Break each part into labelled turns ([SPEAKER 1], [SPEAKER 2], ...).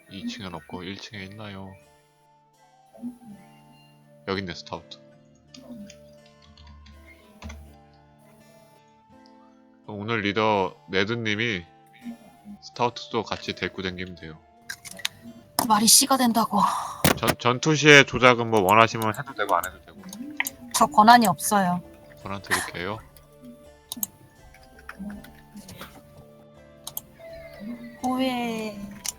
[SPEAKER 1] 2층엔 없고 1층에 있나요? 여기 있네, 스타우트. 오늘 리더 네드님이 스타우트도 같이 데리고 다니면 돼요.
[SPEAKER 2] 말이 씨가 된다고.
[SPEAKER 1] 전투 시에 조작은 뭐 원하시면 해도 되고 안 해도 되고.
[SPEAKER 2] 저 권한이 없어요.
[SPEAKER 1] 권한 드릴게요.
[SPEAKER 2] 오해.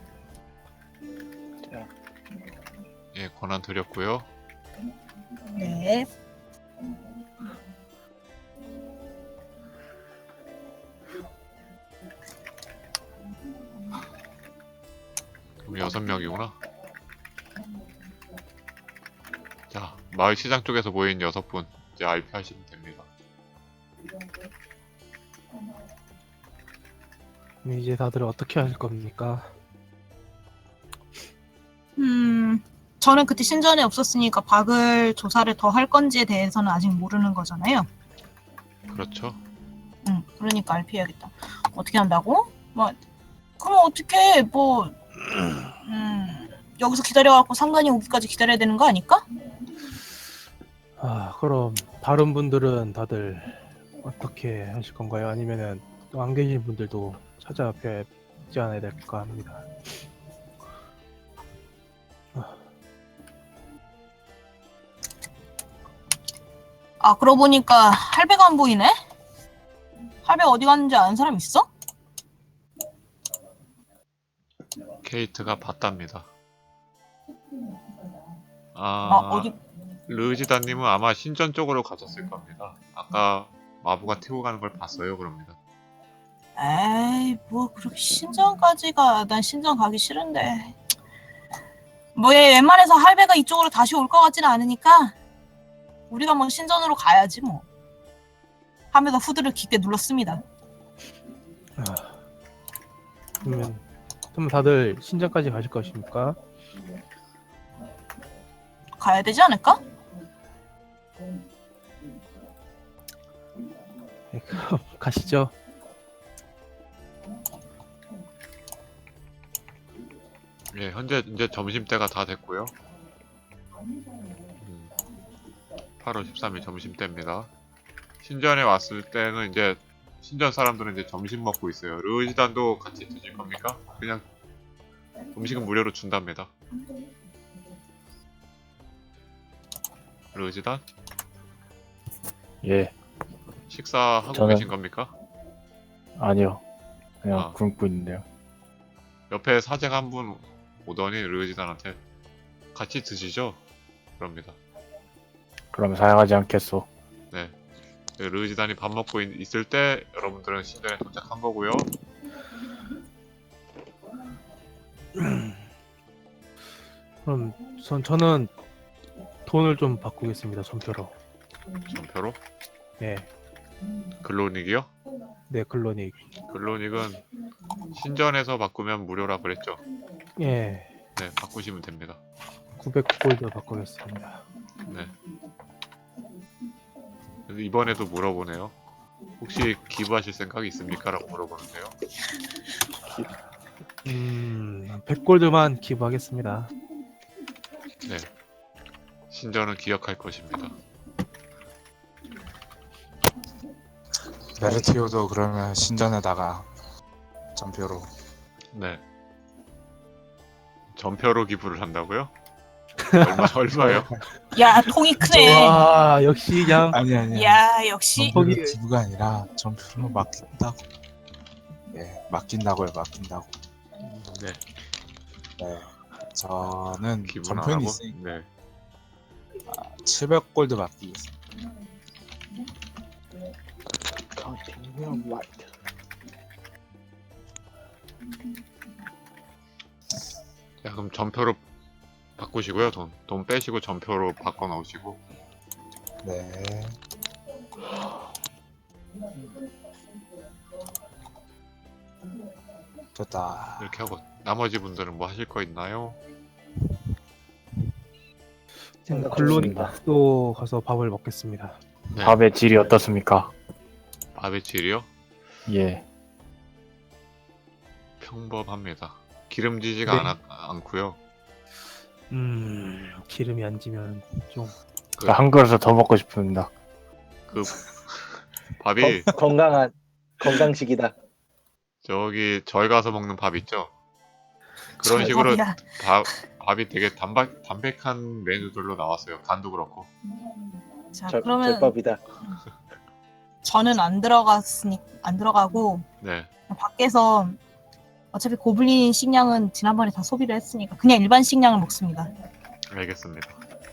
[SPEAKER 1] 예, 권한 드렸고요.
[SPEAKER 2] 네.
[SPEAKER 1] 그럼 6명이구나. 자, 마을 시장 쪽에서 모인 6분 이제 RP 하시면 됩니다.
[SPEAKER 3] 그럼 이제 다들 어떻게 하실 겁니까?
[SPEAKER 2] 저는 그때 신전에 없었으니까 박을 조사를 더 할 건지에 대해서는 아직 모르는 거잖아요.
[SPEAKER 1] 그렇죠?
[SPEAKER 2] 그러니까 RP해야겠다. 어떻게 한다고? 뭐, 그럼 어떻게 여기서 기다려갖고 상관이 오기까지 기다려야 되는 거 아닐까?
[SPEAKER 3] 그럼 다른 분들은 다들 어떻게 하실 건가요? 아니면은 또 안 계신 분들도 찾아뵙지 않아야 될까 합니다.
[SPEAKER 2] 아, 그러고 보니까 할배가 안 보이네? 할배 어디 갔는지 아는 사람 있어?
[SPEAKER 1] 케이트가 봤답니다.
[SPEAKER 2] 어디?
[SPEAKER 1] 르지다님은 아마 신전 쪽으로 가셨을 겁니다. 아까 마부가 태우고 가는 걸 봤어요, 그럽니다.
[SPEAKER 2] 에이, 뭐 그렇게 신전까지 가. 난 신전 가기 싫은데. 뭐 얘 웬만해서 할배가 이쪽으로 다시 올 것 같지는 않으니까 우리가 뭐 신전으로 가야지 뭐. 하면서 후드를 깊게 눌렀습니다.
[SPEAKER 3] 그러면 다들 신전까지 가실 것입니까?
[SPEAKER 2] 가야 되지 않을까?
[SPEAKER 3] 네, 그럼 가시죠.
[SPEAKER 1] 예, 현재 이제 점심때가 다 됐고요. 8월 13일 점심때입니다. 신전에 왔을 때는 이제 신전 사람들은 이제 점심 먹고 있어요. 르지단도 같이 드실 겁니까? 그냥 음식은 무료로 준답니다. 르지단?
[SPEAKER 4] 예,
[SPEAKER 1] 식사하고
[SPEAKER 4] 저는-
[SPEAKER 1] 계신 겁니까?
[SPEAKER 4] 아니요. 그냥
[SPEAKER 1] 아.
[SPEAKER 4] 굶고 있는데요.
[SPEAKER 1] 옆에 사제가 한 분 오더니 르지단한테 같이 드시죠? 그럽니다.
[SPEAKER 4] 그럼 사양하지 않겠소.
[SPEAKER 1] 네. 르지단이 밥 먹고 있을 때 여러분들은 신전에 도착한 거고요.
[SPEAKER 3] 그럼 저는 돈을 좀 바꾸겠습니다. 전표로.
[SPEAKER 1] 전표로
[SPEAKER 3] 네,
[SPEAKER 1] 글로닉이요?
[SPEAKER 3] 네 글로닉.
[SPEAKER 1] 글로닉은 신전에서 바꾸면 무료라 그랬죠?
[SPEAKER 3] 예,
[SPEAKER 1] 네, 바꾸시면 됩니다.
[SPEAKER 3] 900골드 바꾸겠습니다.
[SPEAKER 1] 네. 근데 이번에도 물어보네요. 혹시 기부하실 생각이 있습니까? 라고 물어보는데요.
[SPEAKER 3] 100골드만 기부하겠습니다.
[SPEAKER 1] 네. 신전은 기억할 것입니다.
[SPEAKER 5] 메르티오도 그러면 신전에다가 전표로.
[SPEAKER 1] 네. 전표로 기부를 한다고요? 얼마요?
[SPEAKER 2] 야, 통이 크네.
[SPEAKER 3] 와, 역시 그냥
[SPEAKER 5] 아니
[SPEAKER 2] 야, 역시.
[SPEAKER 5] 전표로 기부가 아니라 전표로 맡긴다고. 예, 맡긴다고요. 맡긴다고.
[SPEAKER 1] 네.
[SPEAKER 5] 네, 저는
[SPEAKER 1] 기부는 안
[SPEAKER 5] 전표는
[SPEAKER 1] 하고.
[SPEAKER 5] 있으니까
[SPEAKER 1] 네.
[SPEAKER 5] 700골드 맡기겠습니다.
[SPEAKER 1] 자, 그럼 전표로 바꾸시고요. 돈 빼시고 전표로 바꿔 넣으시고.
[SPEAKER 5] 네. 됐다.
[SPEAKER 1] 이렇게 하고 나머지 분들은 뭐 하실 거 있나요?
[SPEAKER 3] 글로닉도 가서 밥을 먹겠습니다.
[SPEAKER 1] 네.
[SPEAKER 4] 밥의 질이 어떻습니까?
[SPEAKER 1] 밥의 질이요?
[SPEAKER 4] 예,
[SPEAKER 1] 평범합니다. 기름지지가
[SPEAKER 3] 네.
[SPEAKER 1] 않고요.
[SPEAKER 3] 기름이 안 지면 좀
[SPEAKER 4] 한 그릇을 더 먹고 싶습니다.
[SPEAKER 1] 그 밥이
[SPEAKER 6] 건강한 건강식이다.
[SPEAKER 1] 저기 저희 가서 먹는 밥 있죠? 그런 식으로
[SPEAKER 2] 밥이야.
[SPEAKER 1] 밥이 되게 담백한 메뉴들로 나왔어요. 간도 그렇고.
[SPEAKER 2] 자,
[SPEAKER 6] 절,
[SPEAKER 2] 그러면
[SPEAKER 6] 절밥이다.
[SPEAKER 2] 저는 안 들어가고
[SPEAKER 1] 네.
[SPEAKER 2] 밖에서 어차피 고블린 식량은 지난번에 다 소비를 했으니까 그냥 일반 식량을 먹습니다.
[SPEAKER 1] 알겠습니다.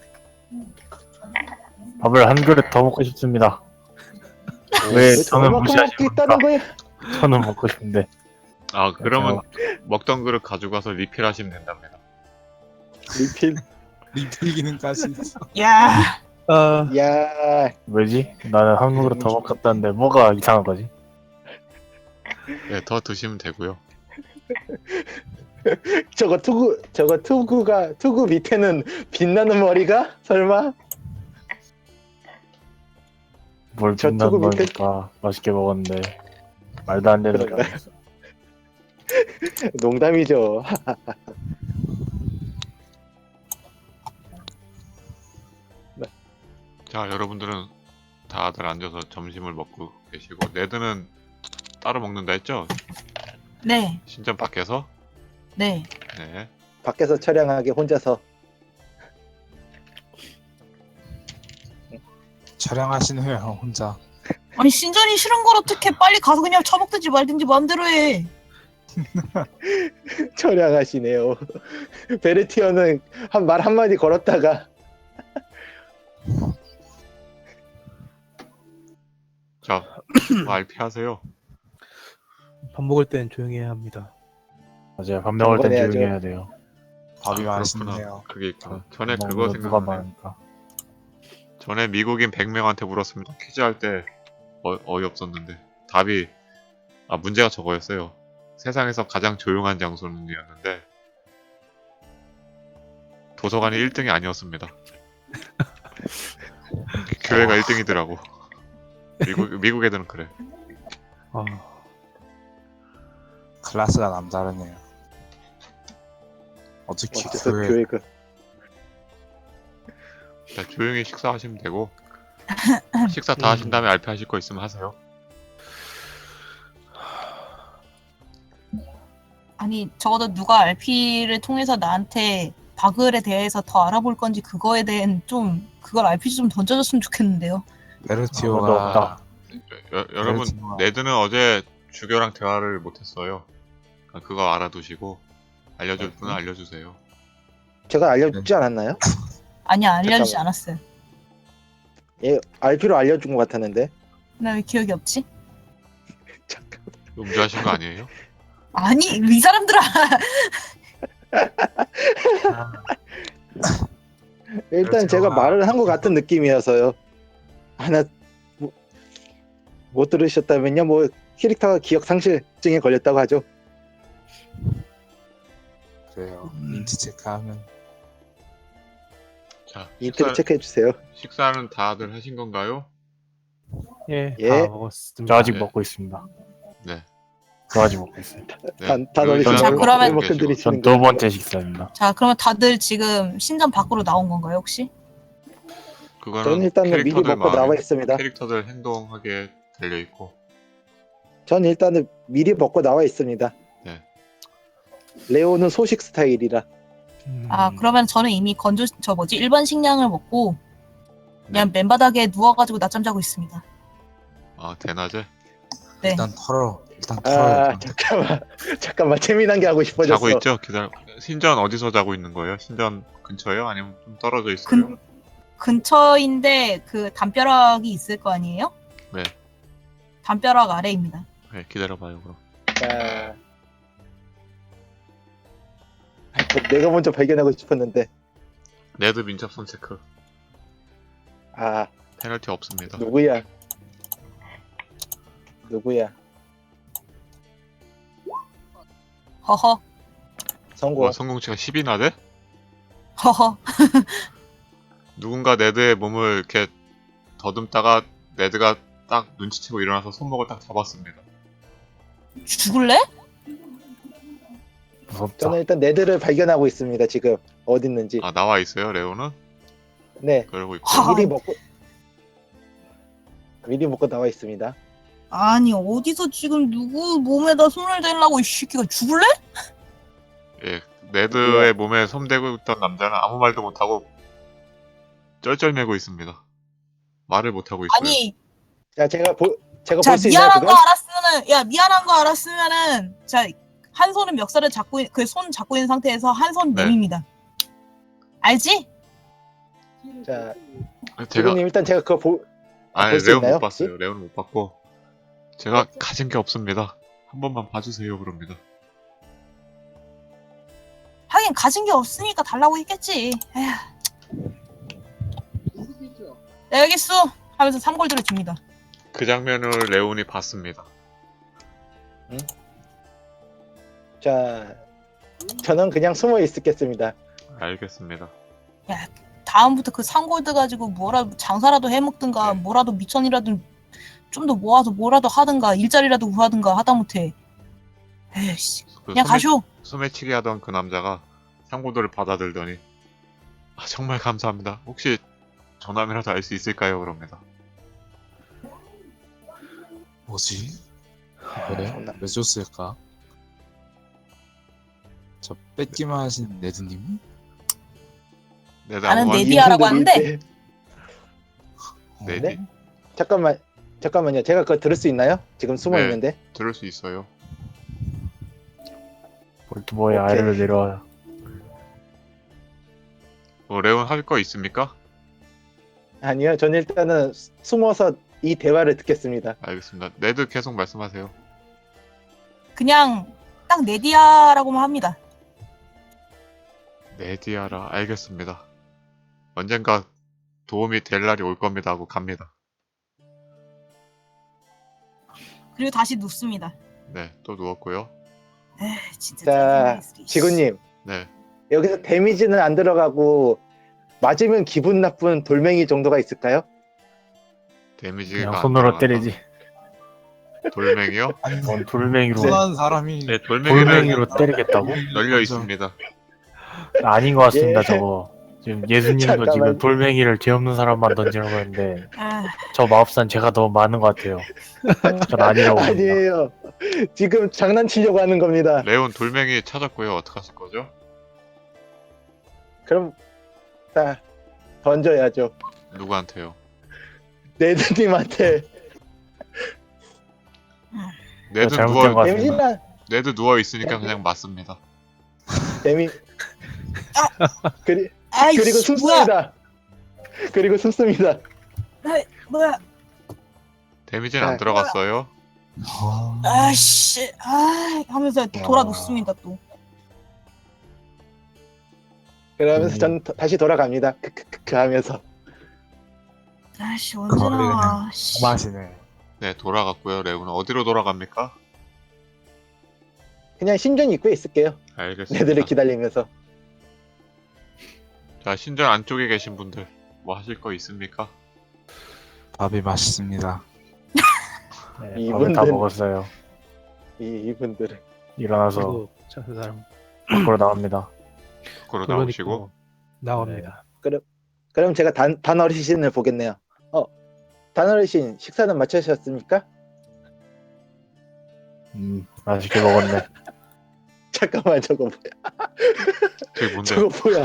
[SPEAKER 4] 밥을 한 그릇 더 먹고 싶습니다. 왜 저는
[SPEAKER 6] 얼마큼 먹고
[SPEAKER 4] 무시하십니까?
[SPEAKER 6] 있다는 거야?
[SPEAKER 4] 저는 먹고 싶은데.
[SPEAKER 1] 아, 그러면 먹던 그릇 가져가서 리필하시면 된답니다.
[SPEAKER 6] 리필.
[SPEAKER 5] 리필 기능까지.
[SPEAKER 2] 야,
[SPEAKER 3] 아,
[SPEAKER 6] 야,
[SPEAKER 4] 왜지? 나는 한 그릇 더 먹었다는데 뭐가 이상한 거지?
[SPEAKER 1] 네, 더 드시면 되고요.
[SPEAKER 6] 저거 투구 밑에는 빛나는 머리가 설마?
[SPEAKER 4] 뭘
[SPEAKER 6] 저
[SPEAKER 4] 빛난
[SPEAKER 6] 투구 밑에-
[SPEAKER 4] 거니까 맛있게 먹었는데 말도 안 되는
[SPEAKER 6] 그런가?
[SPEAKER 4] 소리 하고 있어.
[SPEAKER 6] 농담이죠.
[SPEAKER 1] 자, 여러분들은 다들 앉아서 점심을 먹고 계시고 네드는 따로 먹는다 했죠?
[SPEAKER 2] 네,
[SPEAKER 1] 신전 밖에서?
[SPEAKER 2] 네.
[SPEAKER 1] 네.
[SPEAKER 6] 밖에서 처량하게 혼자서.
[SPEAKER 5] 촬영하신 후에 혼자.
[SPEAKER 2] 아니 신전이 싫은 걸 어떻게 빨리 가서 그냥 처먹든지 말든지 마음대로 해.
[SPEAKER 6] 처량하시네요. 베르티어는 말 한마디 걸었다가
[SPEAKER 1] 자, RP 하세요.
[SPEAKER 3] 밥 먹을 땐 조용히 해야 합니다.
[SPEAKER 4] 맞아요. 밥 먹을 땐
[SPEAKER 6] 경건해야죠.
[SPEAKER 4] 조용히 해야 돼요.
[SPEAKER 5] 밥이
[SPEAKER 1] 아,
[SPEAKER 5] 맛있네요.
[SPEAKER 1] 그렇구나. 그게 있구나. 전에
[SPEAKER 4] 먹는
[SPEAKER 1] 그거
[SPEAKER 4] 거 누가
[SPEAKER 1] 생각나네.
[SPEAKER 4] 많으니까.
[SPEAKER 1] 전에 미국인 100명한테 물었습니다. 퀴즈 할 때 어이없었는데 답이 문제가 저거였어요. 세상에서 가장 조용한 장소는이었는데 도서관이 1등이 아니었습니다. 교회가 1등이더라고. 미국 애들은 그래.
[SPEAKER 3] 아,
[SPEAKER 5] 클래스가 남다르네요. 어떻게
[SPEAKER 6] 어째서
[SPEAKER 5] 교회
[SPEAKER 6] 교회가
[SPEAKER 1] 자, 조용히 식사하시면 되고 식사 다 하신 다음에 RP 하실 거 있으면 하세요.
[SPEAKER 2] 아니 적어도 누가 RP를 통해서 나한테 바글에 대해서 더 알아볼 건지 그거에 대한 좀 그걸 RPG 좀 던져줬으면 좋겠는데요.
[SPEAKER 4] 아무도
[SPEAKER 5] 베르티오가
[SPEAKER 4] 없다.
[SPEAKER 1] 여러분
[SPEAKER 5] 그렇구나.
[SPEAKER 1] 네드는 어제 주교랑 대화를 못했어요. 그거 알아두시고 알려줄 분은 알려주세요.
[SPEAKER 6] 제가 알려주지 않았나요?
[SPEAKER 2] 아니야 알려주지
[SPEAKER 6] 잠깐만.
[SPEAKER 2] 않았어요.
[SPEAKER 6] 예, RP로 알려준 것 같았는데.
[SPEAKER 2] 나 왜 기억이 없지?
[SPEAKER 6] 잠깐.
[SPEAKER 1] 음주하신 거 아니에요?
[SPEAKER 2] 아니 이 사람들아.
[SPEAKER 6] 일단
[SPEAKER 5] 베르티오가-
[SPEAKER 6] 제가 말을 한 것 같은 느낌이어서요. 하나 못 들으셨다면요, 뭐 캐릭터가 기억 상실증에 걸렸다고 하죠.
[SPEAKER 5] 그래요. 인지 체크하면
[SPEAKER 1] 자,
[SPEAKER 6] 인트로 체크해 주세요.
[SPEAKER 1] 식사는 다들 하신 건가요?
[SPEAKER 3] 예,
[SPEAKER 6] 예.
[SPEAKER 3] 다 먹었습니다.
[SPEAKER 4] 저 아직
[SPEAKER 1] 네.
[SPEAKER 4] 먹고 있습니다.
[SPEAKER 1] 네.
[SPEAKER 4] 저 아직 먹고 있어요.
[SPEAKER 6] 다
[SPEAKER 1] 요리사는
[SPEAKER 2] 자, 그러면-
[SPEAKER 1] 먹고 계시고.
[SPEAKER 6] 드리시는
[SPEAKER 4] 전 두 번째 식사입니다.
[SPEAKER 2] 자 그러면 다들 지금 신전 밖으로 나온 건가요 혹시?
[SPEAKER 1] 그거는
[SPEAKER 6] 저는 일단은 미리
[SPEAKER 1] 캐릭터들
[SPEAKER 6] 먹고 나와
[SPEAKER 1] 마음에
[SPEAKER 6] 있습니다.
[SPEAKER 1] 캐릭터들 행동하게 달려 있고.
[SPEAKER 6] 전 일단은 미리 먹고 나와 있습니다.
[SPEAKER 1] 네.
[SPEAKER 6] 레오는 소식 스타일이라.
[SPEAKER 2] 아 그러면 저는 이미 일반 식량을 먹고 그냥 맨바닥에 누워가지고 낮잠 자고 있습니다.
[SPEAKER 1] 대낮에
[SPEAKER 2] 네.
[SPEAKER 5] 일단 털어요.
[SPEAKER 6] 잠깐만 재미난 게 하고 싶어졌어.
[SPEAKER 1] 자고 있죠? 기다려. 신전 어디서 자고 있는 거예요? 신전 근처예요? 아니면 좀 떨어져 있어요?
[SPEAKER 2] 근처인데 그 담벼락이 있을 거 아니에요?
[SPEAKER 1] 네.
[SPEAKER 2] 담벼락 아래입니다.
[SPEAKER 1] 네, 기다려봐요 그럼.
[SPEAKER 6] 자, 내가 먼저 발견하고 싶었는데.
[SPEAKER 1] 네드 민첩선 체크.
[SPEAKER 6] 아,
[SPEAKER 1] 페널티 없습니다.
[SPEAKER 6] 누구야?
[SPEAKER 2] 허허
[SPEAKER 6] 성공.
[SPEAKER 1] 와, 성공치가 10이나 돼?
[SPEAKER 2] 허허.
[SPEAKER 1] 누군가 네드의 몸을 이렇게 더듬다가 네드가 딱 눈치채고 일어나서 손목을 딱 잡았습니다.
[SPEAKER 2] 죽을래?
[SPEAKER 4] 무섭다.
[SPEAKER 6] 저는 일단 네드를 발견하고 있습니다. 지금 어디 있는지.
[SPEAKER 1] 아 나와 있어요 레오는?
[SPEAKER 6] 네,
[SPEAKER 1] 그러고 있고.
[SPEAKER 2] 하.
[SPEAKER 6] 미리 먹고 나와 있습니다.
[SPEAKER 2] 아니 어디서 지금 누구 몸에다 손을 대려고 이 새끼가 죽을래?
[SPEAKER 1] 예, 네드의 몸에 손대고 있던 남자는 아무 말도 못하고 쩔쩔매고 있습니다. 말을 못하고 있어요.
[SPEAKER 2] 아니
[SPEAKER 6] 자, 제가 볼
[SPEAKER 2] 자
[SPEAKER 6] 수 있나요,
[SPEAKER 2] 미안한
[SPEAKER 6] 그건?
[SPEAKER 2] 거 알았으면은 야 미안한 거 알았으면은 자 한 손은 멱살을 잡고 그 손 잡고 있는 상태에서 한 손
[SPEAKER 1] 네.
[SPEAKER 2] 내밉니다. 알지?
[SPEAKER 6] 자,
[SPEAKER 1] 제가
[SPEAKER 6] 지구님 일단 제가 그거
[SPEAKER 1] 아니
[SPEAKER 6] 볼수
[SPEAKER 1] 레온
[SPEAKER 6] 있나요,
[SPEAKER 1] 못 봤어요. 레온은 못 봤고 제가 가진 게 없습니다. 한 번만 봐주세요 그럽니다.
[SPEAKER 2] 하긴 가진 게 없으니까 달라고 했겠지. 에휴. 네, 알겠어 하면서 3골드를 줍니다.
[SPEAKER 1] 그 장면을 레온이 봤습니다.
[SPEAKER 6] 자, 저는 그냥 숨어 있겠습니다.
[SPEAKER 1] 알겠습니다.
[SPEAKER 2] 다음부터 그 3골드 가지고 뭐라도 장사라도 해먹든가
[SPEAKER 1] 네.
[SPEAKER 2] 뭐라도 미천이라도 좀 더 모아서 뭐라도 하든가 일자리라도 구하든가 하다못해 에이씨
[SPEAKER 1] 그
[SPEAKER 2] 그냥 가쇼.
[SPEAKER 1] 소매치기 하던 그 남자가 상고도를 받아들더니 아, 정말 감사합니다. 혹시 전함이라도 알 수 있을까요? 그럽니다.
[SPEAKER 5] 뭐지? 그래? 왜 줬을까? 저 뺏기만 하신 네드님?
[SPEAKER 1] 네드
[SPEAKER 2] 나는
[SPEAKER 1] 아무 말
[SPEAKER 2] 네디아라고 하는데
[SPEAKER 6] 이분들이
[SPEAKER 1] 네디
[SPEAKER 6] 잠깐만요. 제가 그거 들을 수 있나요? 지금 숨어
[SPEAKER 1] 네.
[SPEAKER 6] 있는데.
[SPEAKER 1] 들을 수 있어요.
[SPEAKER 4] 볼트보의
[SPEAKER 6] 오케이.
[SPEAKER 4] 아래로 내려와.
[SPEAKER 1] 레온 할 거 있습니까?
[SPEAKER 6] 아니요, 저는 일단은 숨어서 이 대화를 듣겠습니다.
[SPEAKER 1] 알겠습니다. 네드 계속 말씀하세요.
[SPEAKER 2] 그냥 딱 네디아라고만 합니다.
[SPEAKER 1] 네디아라 알겠습니다. 언젠가 도움이 될 날이 올 겁니다 하고 갑니다.
[SPEAKER 2] 그리고 다시 눕습니다.
[SPEAKER 1] 네, 또 누웠고요.
[SPEAKER 2] 에이, 진짜
[SPEAKER 6] 자,
[SPEAKER 2] 짜증나, 이 소리.
[SPEAKER 6] 지구님
[SPEAKER 1] 네,
[SPEAKER 6] 여기서 데미지는 안 들어가고 맞으면 기분 나쁜 돌멩이 정도가 있을까요?
[SPEAKER 1] 데미지가
[SPEAKER 4] 그냥
[SPEAKER 1] 안
[SPEAKER 4] 손으로
[SPEAKER 1] 들어간다.
[SPEAKER 4] 때리지.
[SPEAKER 1] 돌멩이요?
[SPEAKER 5] 아니
[SPEAKER 4] 뭔 돌멩이로
[SPEAKER 5] 흔한 사람이
[SPEAKER 1] 네, 돌멩이를
[SPEAKER 4] 돌멩이로 때리겠다고?
[SPEAKER 1] 널려 있습니다.
[SPEAKER 4] 아닌 것 같습니다.
[SPEAKER 6] 예.
[SPEAKER 4] 저거 지금 예수님도
[SPEAKER 6] 잠깐만.
[SPEAKER 4] 지금 돌멩이를 죄 없는 사람만 던지라고 했는데
[SPEAKER 2] 아,
[SPEAKER 4] 저 마법사는 제가 더 많은 것 같아요. 전 아니라고 봅니다.
[SPEAKER 6] 아니에요. 지금 장난치려고 하는 겁니다.
[SPEAKER 1] 레온 돌멩이 찾았고요. 어떡하실 거죠?
[SPEAKER 6] 그럼 다 던져야죠.
[SPEAKER 1] 누구한테요?
[SPEAKER 6] 네드님한테
[SPEAKER 1] 네드
[SPEAKER 4] 잘못된 것
[SPEAKER 1] 누워
[SPEAKER 4] 같습니다.
[SPEAKER 6] 데미지나
[SPEAKER 1] 네드 누워 있으니까 그냥 맞습니다.
[SPEAKER 6] 데미
[SPEAKER 2] 아이씨,
[SPEAKER 6] 그리고 숨습니다. 그리고 숨습니다.
[SPEAKER 2] 뭐야?
[SPEAKER 1] 데미지는 안
[SPEAKER 6] 아,
[SPEAKER 1] 들어갔어요.
[SPEAKER 2] 아씨, 아 하면서 돌아 눕습니다 또.
[SPEAKER 6] 그러면서 전 다시 돌아갑니다. 크크크크 하면서.
[SPEAKER 2] 아씨
[SPEAKER 5] 그거
[SPEAKER 2] 언제
[SPEAKER 5] 그냥
[SPEAKER 2] 나와? 씨.
[SPEAKER 5] 마시네.
[SPEAKER 1] 네, 돌아갔고요. 레온은 어디로 돌아갑니까?
[SPEAKER 6] 그냥 신전 입구에 있을게요.
[SPEAKER 1] 알겠습니다.
[SPEAKER 6] 네드를 기다리면서.
[SPEAKER 1] 자, 신전 안쪽에 계신 분들 뭐 하실 거 있습니까?
[SPEAKER 5] 밥이 맛있습니다.
[SPEAKER 4] 네, 밥을 다
[SPEAKER 6] 이분들-
[SPEAKER 4] 먹었어요.
[SPEAKER 6] 이분들은
[SPEAKER 4] 일어나서
[SPEAKER 3] 그리고 저 사람
[SPEAKER 4] 밖으로 나옵니다.
[SPEAKER 1] 밖으로
[SPEAKER 3] 그러니까
[SPEAKER 1] 나오시고
[SPEAKER 3] 나옵니다.
[SPEAKER 6] 그럼 제가 단어르신을 보겠네요. 단어르신 식사는 마치셨습니까?
[SPEAKER 4] 맛있게 먹었네.
[SPEAKER 6] 잠깐만 저거 뭐야?
[SPEAKER 1] 저게 뭔데?
[SPEAKER 6] 저거 뭐야?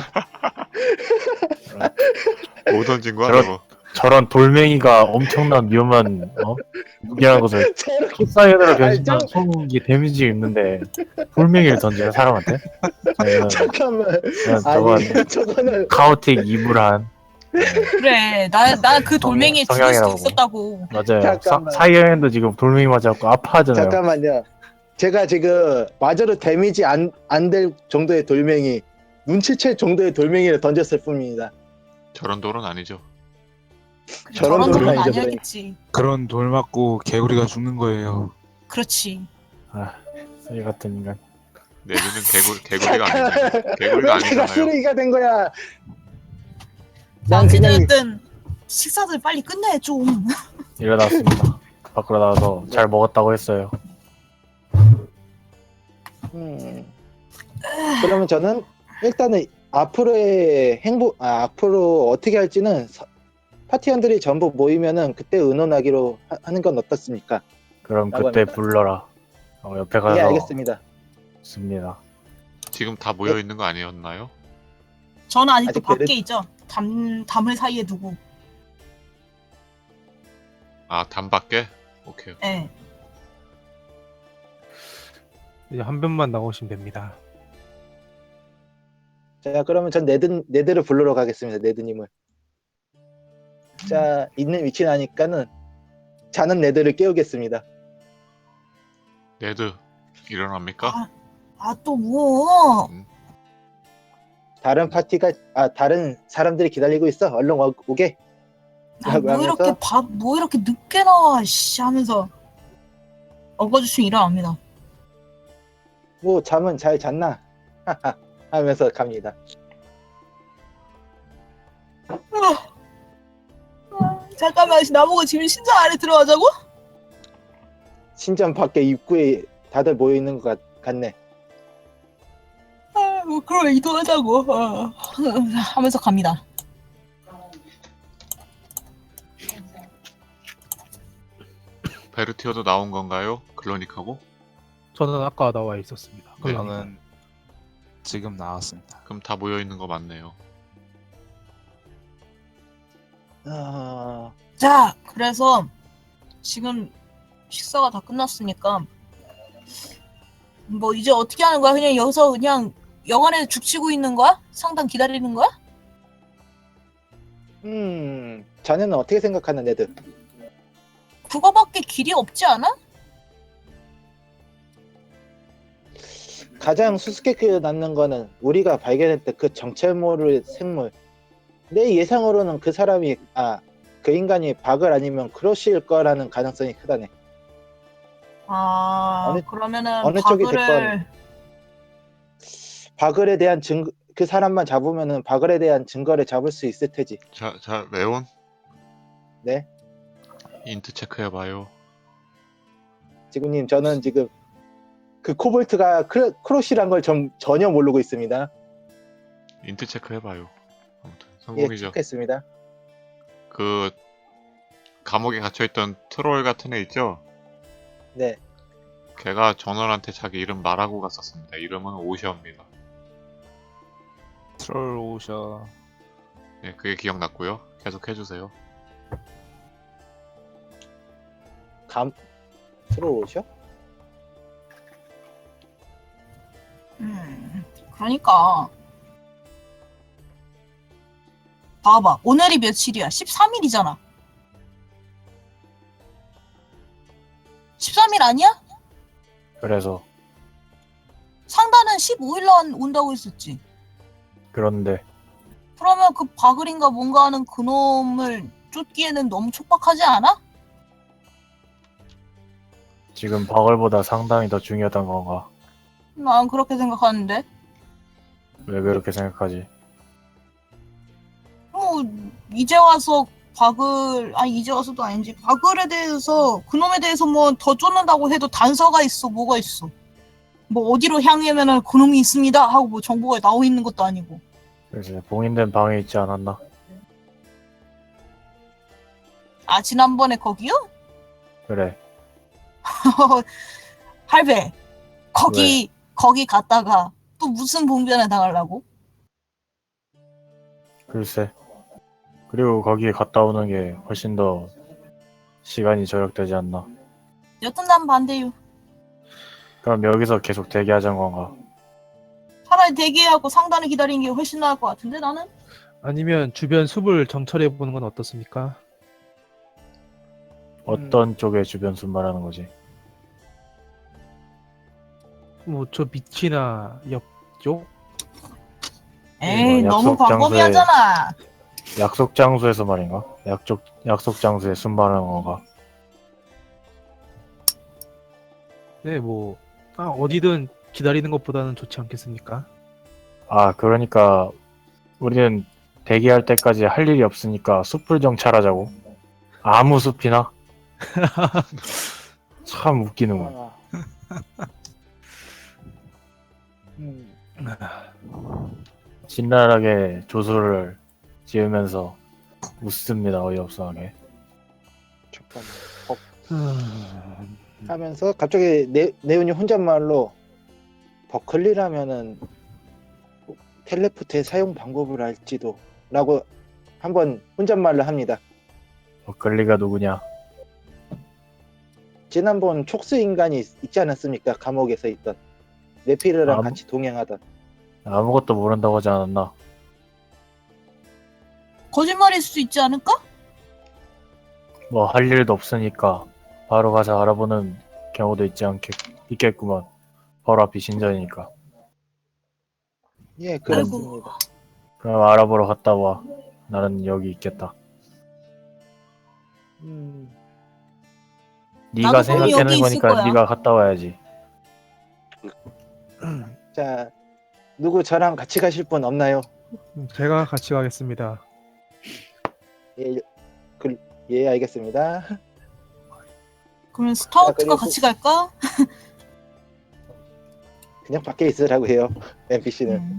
[SPEAKER 1] 뭐 던진 거야
[SPEAKER 4] 저런-
[SPEAKER 1] 저거?
[SPEAKER 4] 저런 돌멩이가 엄청난 위험한 무기라는 것을
[SPEAKER 6] 저렇게
[SPEAKER 4] 킥사이드로
[SPEAKER 6] 아니,
[SPEAKER 4] 변신한 손이 데미지 있는데 돌멩이를 던지는 사람한테? 저는
[SPEAKER 6] 잠깐만.
[SPEAKER 4] 저건
[SPEAKER 6] 아니 저거는
[SPEAKER 4] 카오틱 이불한
[SPEAKER 2] 그래 나 그 돌멩이에 죽을 수도
[SPEAKER 4] 성향이라고.
[SPEAKER 2] 있었다고.
[SPEAKER 4] 맞아요.
[SPEAKER 6] 잠깐만.
[SPEAKER 4] 사이언도 지금 돌멩이 맞아갖고 아파하잖아요.
[SPEAKER 6] 잠깐만요. 제가 지금 마저로 데미지 안 될 정도의 돌멩이, 눈치챌 정도의 돌멩이를 던졌을 뿐입니다.
[SPEAKER 1] 저런 돌은 아니죠.
[SPEAKER 6] 저런
[SPEAKER 2] 저런
[SPEAKER 6] 돌은
[SPEAKER 2] 돌은
[SPEAKER 6] 아니죠,
[SPEAKER 2] 아니야겠지.
[SPEAKER 5] 그런 돌 맞고 개구리가 죽는 거예요.
[SPEAKER 2] 그렇지.
[SPEAKER 4] 쓰레기 같은 인간.
[SPEAKER 1] 네드는 개구리가 아니잖아요. 개구리가
[SPEAKER 6] 왜 내가
[SPEAKER 1] 아니잖아요.
[SPEAKER 6] 쓰레기가 된 거야?
[SPEAKER 2] 자
[SPEAKER 6] 난 그냥
[SPEAKER 2] 어찌됐든 식사들 빨리 끝내 좀.
[SPEAKER 4] 일어났습니다. 밖으로 나와서 잘 먹었다고 했어요.
[SPEAKER 6] 그러면 저는 일단은 앞으로의 앞으로 어떻게 할지는 파티원들이 전부 모이면은 그때 의논하기로 하는 건 어떻습니까?
[SPEAKER 4] 그럼
[SPEAKER 6] 라고
[SPEAKER 4] 그때
[SPEAKER 6] 합니다.
[SPEAKER 4] 불러라. 옆에
[SPEAKER 6] 예,
[SPEAKER 4] 가서
[SPEAKER 6] 알겠습니다.
[SPEAKER 4] 씁니다.
[SPEAKER 1] 지금 다 모여 있는 거 아니었나요?
[SPEAKER 2] 저는 아직도
[SPEAKER 6] 아직
[SPEAKER 2] 밖에 있죠. 담을 사이에 두고.
[SPEAKER 1] 아, 단밖에? 오케이.
[SPEAKER 2] 예.
[SPEAKER 3] 이제 한 변만 나오시면 됩니다.
[SPEAKER 6] 자, 그러면 전 네드를 부르러 가겠습니다. 네드님을. 자, 있는 위치 나니까는 자는 네드를 깨우겠습니다.
[SPEAKER 1] 네드 일어납니까?
[SPEAKER 2] 또 뭐?
[SPEAKER 6] 다른 다른 사람들이 기다리고 있어. 얼른 오게. 라고
[SPEAKER 2] 뭐
[SPEAKER 6] 하면서
[SPEAKER 2] 이렇게 뭐 이렇게 늦게 나와, 씨 하면서 어거주춤 일어납니다.
[SPEAKER 6] 뭐 잠은 잘 잤나? 하면서 갑니다.
[SPEAKER 2] 잠깐만, 나보고 지금 신장 안에 들어가자고?
[SPEAKER 6] 신전 밖에 입구에 다들 모여 있는 것 같네.
[SPEAKER 2] 뭐 그럼 이동하자고. 하면서 갑니다.
[SPEAKER 1] 베르티어도 나온 건가요? 클로닉하고?
[SPEAKER 3] 저는 아까 나와 있었습니다.
[SPEAKER 1] 네.
[SPEAKER 5] 저는 지금 나왔습니다.
[SPEAKER 1] 그럼 다 모여 있는 거 맞네요.
[SPEAKER 2] 자, 그래서 지금 식사가 다 끝났으니까 뭐 이제 어떻게 하는 거야? 그냥 여기서 그냥 영안에 죽치고 있는 거야? 상담 기다리는 거야?
[SPEAKER 6] 자네는 어떻게 생각하는 애들?
[SPEAKER 2] 그거밖에 길이 없지 않아?
[SPEAKER 6] 가장 수수께끼 남는 거는 우리가 발견했던 그 정체 모를 생물. 내 예상으로는 그 사람이 그 인간이 박을 아니면 크로시일 거라는 가능성이 크다네.
[SPEAKER 2] 그러면은
[SPEAKER 6] 어느 쪽이
[SPEAKER 2] 바그를
[SPEAKER 6] 바글에 대한 그 사람만 잡으면은 바글에 대한 증거를 잡을 수 있을 테지.
[SPEAKER 1] 자, 레온?
[SPEAKER 6] 네,
[SPEAKER 1] 인트 체크해봐요.
[SPEAKER 6] 지구님, 저는 지금 그 코볼트가 크로시란 걸 전혀 모르고 있습니다.
[SPEAKER 1] 인트 체크해봐요. 아무튼
[SPEAKER 6] 예,
[SPEAKER 1] 성공이죠.
[SPEAKER 6] 체크했습니다.
[SPEAKER 1] 그 감옥에 갇혀있던 트롤 같은 애 있죠?
[SPEAKER 6] 네,
[SPEAKER 1] 걔가 전원한테 자기 이름 말하고 갔었습니다. 이름은 오셔입니다.
[SPEAKER 5] 트롤 오셔.
[SPEAKER 1] 네, 그게 기억났고요. 계속 해주세요.
[SPEAKER 6] 들어오셔?
[SPEAKER 2] 그러니까 봐봐, 오늘이 며칠이야? 13일이잖아. 13일 아니야?
[SPEAKER 4] 그래서
[SPEAKER 2] 상단은 15일 온다고 했었지.
[SPEAKER 4] 그런데
[SPEAKER 2] 그러면 그 바글인가 뭔가 하는 그놈을 쫓기에는 너무 촉박하지 않아?
[SPEAKER 4] 지금 바글보다 상당히 더 중요하단 건가?
[SPEAKER 2] 난 그렇게 생각하는데.
[SPEAKER 4] 왜 그렇게 생각하지?
[SPEAKER 2] 뭐 이제 와서 이제 와서도 아닌지 바글에 대해서 그놈에 대해서 뭐 더 쫓는다고 해도 단서가 있어. 뭐가 있어. 뭐 어디로 향하면은 그놈이 있습니다 하고 뭐 정보가 나와 있는 것도 아니고.
[SPEAKER 4] 그래서 봉인된 방에 있지 않았나?
[SPEAKER 2] 지난번에 거기요?
[SPEAKER 4] 그래.
[SPEAKER 2] 할배, 거기 갔다가 또 무슨 봉변에 당하려고?
[SPEAKER 4] 글쎄. 그리고 거기에 갔다 오는 게 훨씬 더 시간이 절약되지 않나?
[SPEAKER 2] 여튼 난 반대요.
[SPEAKER 4] 그럼 여기서 계속 대기하자는 건가?
[SPEAKER 2] 차라리 대기하고 상단을 기다리는 게 훨씬 나을 것 같은데 나는?
[SPEAKER 3] 아니면 주변 숲을 정찰해 보는 건 어떻습니까?
[SPEAKER 4] 어떤 쪽의 주변 숲 말하는 거지?
[SPEAKER 3] 뭐 저 밑이나 옆쪽?
[SPEAKER 2] 에이,
[SPEAKER 4] 뭐
[SPEAKER 2] 너무
[SPEAKER 4] 약속
[SPEAKER 2] 광범위하잖아.
[SPEAKER 4] 약속 장소에서 말인가? 약속 장소에 숲 말하는 건가?
[SPEAKER 3] 네, 뭐 어디든 기다리는 것보다는 좋지 않겠습니까?
[SPEAKER 4] 그러니까 우리는 대기할 때까지 할 일이 없으니까 숲을 정찰하자고? 아무 숲이나? 참 웃기는군. 진랄하게 조소를 지으면서 웃습니다. 어이없어하게.
[SPEAKER 6] 잠깐만.
[SPEAKER 3] 음,
[SPEAKER 6] 하면서 갑자기 네온이 혼잣말로 버클리라면은 텔레포트의 사용 방법을 알지도 라고 한번 혼잣말을 합니다.
[SPEAKER 4] 버클리가 누구냐?
[SPEAKER 6] 지난번 촉수 인간이 있지 않았습니까? 감옥에서 있던 네피르랑
[SPEAKER 4] 아무-
[SPEAKER 6] 같이 동행하던.
[SPEAKER 4] 아무것도 모른다고 하지 않았나?
[SPEAKER 2] 거짓말일 수도 있지 않을까?
[SPEAKER 4] 뭐 할 일도 없으니까 바로 가서 알아보는 경우도 있겠구먼. 바로 앞이 신전이니까.
[SPEAKER 6] 예, 그렇습니다.
[SPEAKER 4] 그럼 알아보러 갔다 와. 나는 여기 있겠다.
[SPEAKER 6] 음,
[SPEAKER 4] 네가
[SPEAKER 2] 나도 그럼
[SPEAKER 4] 생각하는
[SPEAKER 2] 여기 있을
[SPEAKER 4] 거니까
[SPEAKER 2] 거야.
[SPEAKER 4] 네가 갔다 와야지.
[SPEAKER 6] 자, 누구 저랑 같이 가실 분 없나요?
[SPEAKER 3] 제가 같이 가겠습니다.
[SPEAKER 6] 예, 예, 알겠습니다.
[SPEAKER 2] 그러면 스타우트가
[SPEAKER 6] 그리고-
[SPEAKER 2] 같이 갈까?
[SPEAKER 6] 그냥 밖에 있으라고 해요. NPC는.
[SPEAKER 2] 음.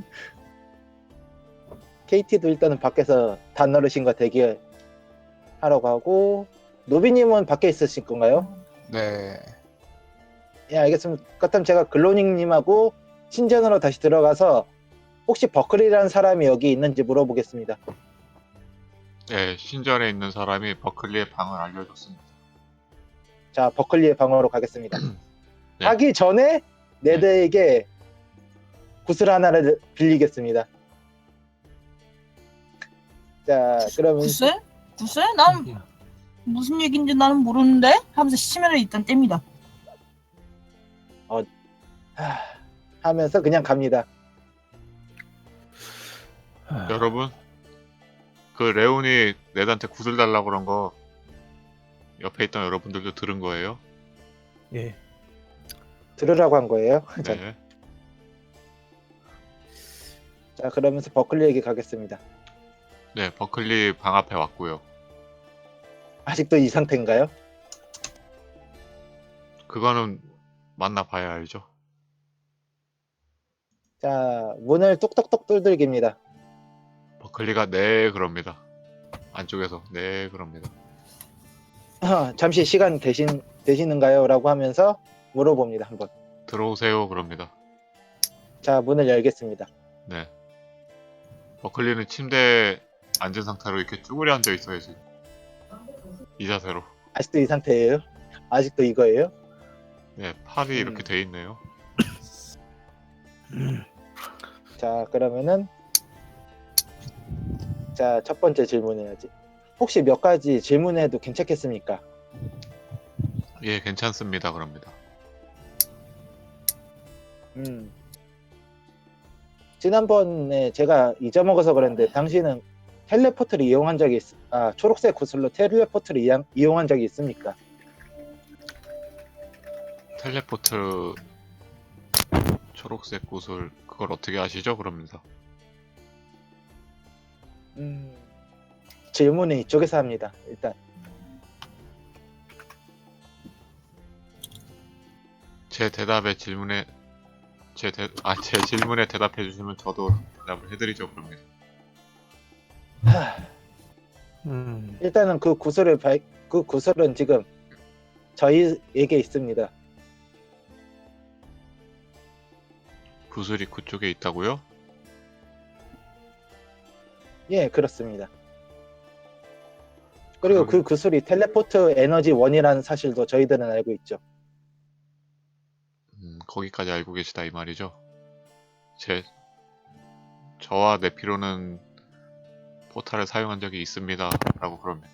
[SPEAKER 6] KT도 일단은 밖에서 단어르신과 대기하라고 하고, 노비님은 밖에 있으실 건가요?
[SPEAKER 5] 네.
[SPEAKER 6] 예, 알겠습니다. 그렇다면 제가 글로닝님하고 신전으로 다시 들어가서 혹시 버클이라는 사람이 여기 있는지 물어보겠습니다.
[SPEAKER 1] 네, 신전에 있는 사람이 버클리의 방을 알려줬습니다.
[SPEAKER 6] 자, 버클리의 방으로 가겠습니다.
[SPEAKER 1] 네.
[SPEAKER 6] 가기 전에 네드에게 구슬 하나를 빌리겠습니다. 자, 그러면
[SPEAKER 2] 글쎄? 글쎄? 난 무슨 얘기인지 나는 모르는데? 하면서 심혈을 일단 뗍니다.
[SPEAKER 6] 하면서 그냥 갑니다.
[SPEAKER 1] 여러분, 그 레온이 네드한테 구슬 달라고 그런 거 옆에 있던 여러분들도 들은 거예요?
[SPEAKER 3] 예.
[SPEAKER 6] 들으라고 한 거예요. 자,
[SPEAKER 1] 네.
[SPEAKER 6] 자, 그러면서 버클리에게 가겠습니다.
[SPEAKER 1] 네, 버클리 방 앞에 왔고요.
[SPEAKER 6] 아직도 이 상태인가요?
[SPEAKER 1] 그거는 만나봐야 알죠.
[SPEAKER 6] 자, 문을 뚝뚝뚝 두들깁니다.
[SPEAKER 1] 버클리가 네 그럽니다. 안쪽에서 네 그럽니다.
[SPEAKER 6] 잠시 시간 되시는가요? 라고 하면서 물어봅니다. 한번.
[SPEAKER 1] 들어오세요 그럽니다.
[SPEAKER 6] 자, 문을 열겠습니다.
[SPEAKER 1] 네. 버클리는 침대에 앉은 상태로 이렇게 쭈그려 앉아 있어요 지금. 이 자세로.
[SPEAKER 6] 아직도 이 상태예요? 아직도 이거예요?
[SPEAKER 1] 네, 팔이 이렇게 돼 있네요.
[SPEAKER 6] 자, 그러면은 자, 첫 번째 질문해야지. 혹시 몇 가지 질문해도 괜찮겠습니까?
[SPEAKER 1] 예, 괜찮습니다 그럽니다.
[SPEAKER 6] 지난번에 제가 잊어먹어서 그랬는데 당신은 텔레포트를 이용한 적이 초록색 구슬로 텔레포트를 이용한 적이 있습니까?
[SPEAKER 1] 텔레포트 초록색 구슬 그걸 어떻게 아시죠 그럽니다.
[SPEAKER 6] 질문은 이쪽에서 합니다. 일단
[SPEAKER 1] 제 질문에 대답해 주시면 저도 대답을 해드리죠 그럽니다.
[SPEAKER 6] 일단은 그 구슬은 지금 저희에게 있습니다.
[SPEAKER 1] 구슬이 그쪽에 있다고요?
[SPEAKER 6] 예, 그렇습니다. 그리고
[SPEAKER 1] 그럼-
[SPEAKER 6] 그 구슬이 텔레포트 에너지 1이라는 사실도 저희들은 알고 있죠.
[SPEAKER 1] 거기까지 알고 계시다 이 말이죠. 저와 네피로는 포탈을 사용한 적이 있습니다 라고 그럽니다.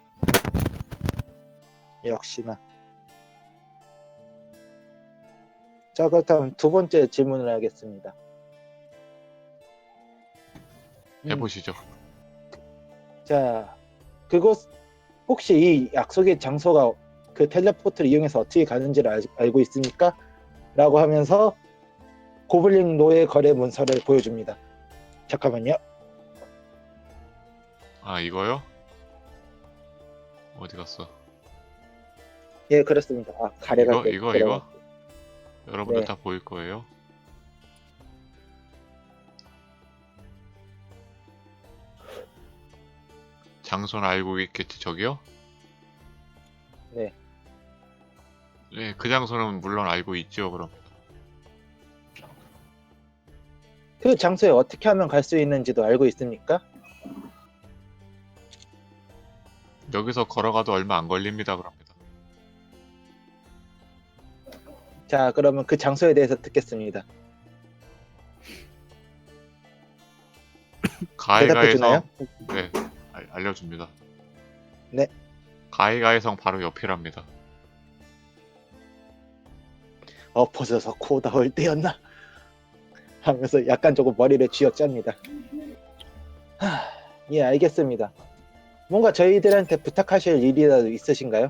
[SPEAKER 6] 역시나. 자, 그렇다면 두 번째 질문을 하겠습니다.
[SPEAKER 1] 해보시죠.
[SPEAKER 6] 자, 그곳 혹시 이 약속의 장소가 그 텔레포트를 이용해서 어떻게 가는지를 알고 있습니까? 라고 하면서 고블린 노예 거래 문서를 보여줍니다. 잠깐만요.
[SPEAKER 1] 아 이거요? 어디 갔어?
[SPEAKER 6] 예, 그렇습니다. 가래가
[SPEAKER 1] 이거? 여러분들
[SPEAKER 6] 네.
[SPEAKER 1] 다 보일 거예요. 장소는 알고 있겠지, 저기요?
[SPEAKER 6] 네.
[SPEAKER 1] 네, 그 장소는 물론 알고 있죠, 그럼.
[SPEAKER 6] 그 장소에 어떻게 하면 갈 수 있는지도 알고 있습니까?
[SPEAKER 1] 여기서 걸어가도 얼마 안 걸립니다, 그럽니다.
[SPEAKER 6] 자, 그러면 그 장소에 대해서 듣겠습니다. 대답해
[SPEAKER 1] 가이가이성,
[SPEAKER 6] 주나요?
[SPEAKER 1] 네, 알려줍니다.
[SPEAKER 6] 네.
[SPEAKER 1] 가이가이성 바로 옆이랍니다.
[SPEAKER 6] 엎어져서 코 나올 때였나? 하면서 약간 조금 머리를 쥐어짭니다. 예, 알겠습니다. 뭔가 저희들한테 부탁하실 일이라도 있으신가요?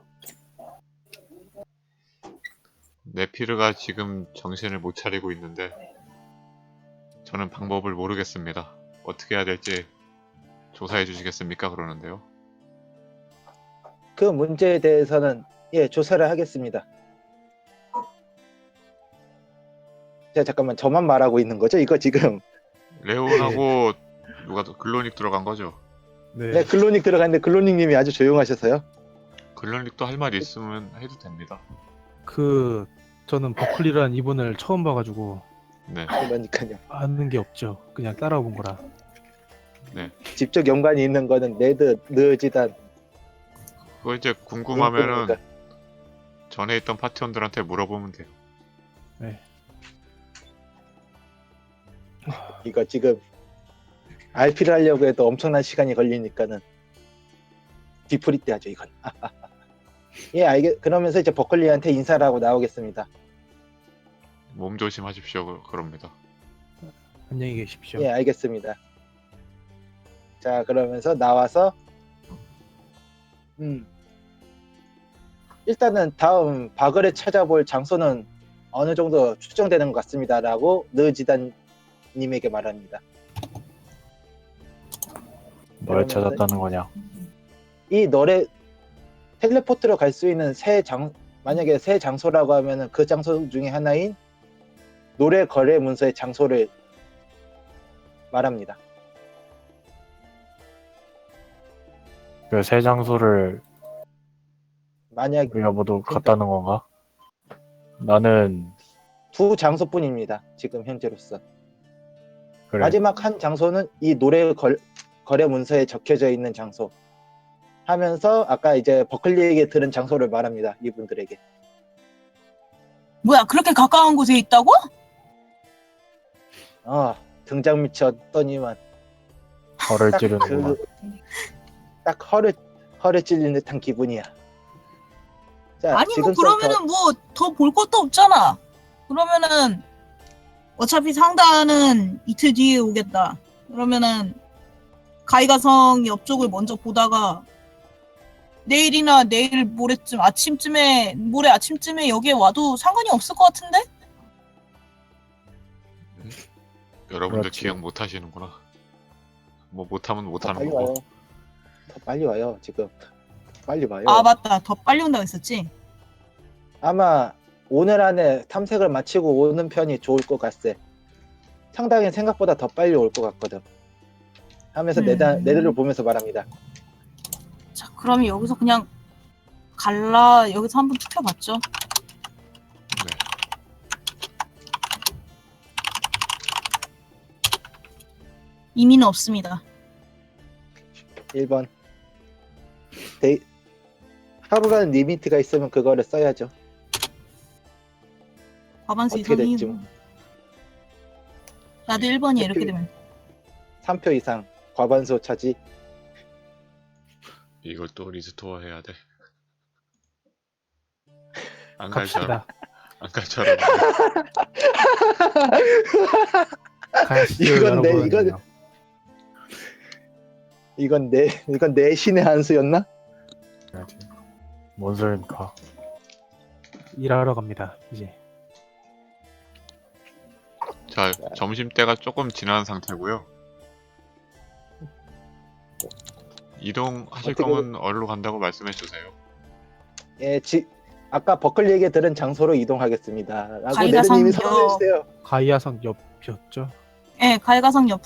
[SPEAKER 1] 네피르가 지금 정신을 못 차리고 있는데 저는 방법을 모르겠습니다. 어떻게 해야 될지 조사해 주시겠습니까? 그러는데요.
[SPEAKER 6] 그 문제에 대해서는 예, 조사를 하겠습니다. 자, 잠깐만, 저만 말하고 있는 거죠? 이거 지금
[SPEAKER 1] 레온하고 누가 더 글로닉 들어간 거죠?
[SPEAKER 6] 네, 글로닉 들어갔는데 글로닉님이 아주 조용하셔서요.
[SPEAKER 1] 글로닉도 할 말 있으면 해도 됩니다.
[SPEAKER 3] 그 저는 버클리라는 이분을 처음 봐가지고
[SPEAKER 1] 네,
[SPEAKER 6] 그러니까요.
[SPEAKER 3] 아는 게 없죠. 그냥 따라본 거라.
[SPEAKER 6] 직접 연관이 있는 거는 네드, 느지단,
[SPEAKER 1] 그거 이제 궁금하면은
[SPEAKER 6] 눈금이니까.
[SPEAKER 1] 전에 있던 파티원들한테 물어보면 돼요.
[SPEAKER 6] 이거 지금 RP를 하려고 해도 엄청난 시간이 걸리니까는 뒤풀이 때 하죠, 이건. 예, 그러면서 이제 버클리한테 인사를 하고 나오겠습니다.
[SPEAKER 1] 몸 조심하십시오. 그럽니다.
[SPEAKER 3] 안녕히 계십시오.
[SPEAKER 6] 예, 알겠습니다. 자, 그러면서 나와서 일단은 다음 바그를 찾아볼 장소는 어느 정도 추정되는 것 같습니다라고 느지단님에게 말합니다.
[SPEAKER 4] 뭘
[SPEAKER 6] 그러면은-
[SPEAKER 4] 찾았다는 거냐?
[SPEAKER 6] 이 노래 텔레포트로 갈 수 있는 만약에 새 장소라고 하면은 그 장소 중에 하나인 노래 거래 문서의 장소를 말합니다.
[SPEAKER 4] 그 새 장소를
[SPEAKER 6] 만약
[SPEAKER 4] 우리가 모두 갔다는 건가? 나는
[SPEAKER 6] 두 장소뿐입니다. 지금 현재로서.
[SPEAKER 4] 그래.
[SPEAKER 6] 마지막 한 장소는 이 노래 거래 문서에 적혀져 있는 장소 하면서 아까 이제 버클리에게 들은 장소를 말합니다. 이분들에게.
[SPEAKER 2] 뭐야, 그렇게 가까운 곳에 있다고?
[SPEAKER 6] 등장 밑이 어떠니만
[SPEAKER 4] 허를
[SPEAKER 6] 딱
[SPEAKER 4] 찌르는구만.
[SPEAKER 6] 딱 허를 찔린 듯한 기분이야. 자,
[SPEAKER 2] 아니, 뭐,
[SPEAKER 6] 지금부터-
[SPEAKER 2] 그러면은 뭐, 더 볼 것도 없잖아. 그러면은, 어차피 상단은 이틀 뒤에 오겠다. 그러면은, 가이가성 옆쪽을 먼저 보다가, 내일이나 내일 모레 아침쯤에 여기에 와도 상관이 없을 것 같은데?
[SPEAKER 1] 여러분들
[SPEAKER 4] 그렇지.
[SPEAKER 1] 기억 못 하시는구나. 뭐 못하면
[SPEAKER 6] 더
[SPEAKER 1] 못하는
[SPEAKER 6] 빨리
[SPEAKER 1] 거고.
[SPEAKER 6] 와요. 더 빨리 와요. 지금 빨리 와요.
[SPEAKER 2] 아, 맞다. 더 빨리 온다고 했었지?
[SPEAKER 6] 아마 오늘 안에 탐색을 마치고 오는 편이 좋을 것 같세. 상당히 생각보다 더 빨리 올 것 같거든. 하면서 내들을 보면서 말합니다.
[SPEAKER 2] 자, 그러면 여기서 그냥 여기서 한번 투표봤죠.
[SPEAKER 1] 네.
[SPEAKER 2] 의미는 없습니다.
[SPEAKER 6] 1번. 하루라는 리미트가 있으면 그거를 써야죠.
[SPEAKER 2] 과반수
[SPEAKER 6] 어떻게
[SPEAKER 2] 이상이
[SPEAKER 6] 됐지
[SPEAKER 2] 뭐.
[SPEAKER 6] 뭐.
[SPEAKER 2] 나도 1번이야, 이렇게
[SPEAKER 6] 투표-
[SPEAKER 2] 되면.
[SPEAKER 6] 3표 이상 과반수 차지.
[SPEAKER 1] 이걸 또 리스토어 해야 돼. 안 갈처럼.
[SPEAKER 3] 갑시다.
[SPEAKER 1] 안 갈처럼.
[SPEAKER 3] 가시죠,
[SPEAKER 6] 이건 내-
[SPEAKER 3] 여러분.
[SPEAKER 6] 이건- 이건 내 신의 한 수였나?
[SPEAKER 4] 그래야지. 뭔 소리입니까?
[SPEAKER 3] 일하러 갑니다. 이제.
[SPEAKER 1] 자, 점심때가 조금 지난 상태고요. 이동하실
[SPEAKER 6] 어떻게-
[SPEAKER 1] 거면 어디로 간다고 말씀해 주세요.
[SPEAKER 6] 예, 아까 버클리에게 들은 장소로 이동하겠습니다. 라고
[SPEAKER 2] 가이가상
[SPEAKER 6] 네드님이
[SPEAKER 2] 역.
[SPEAKER 6] 선언해 주세요.
[SPEAKER 3] 가이아성 옆이었죠.
[SPEAKER 2] 예, 가이가성 옆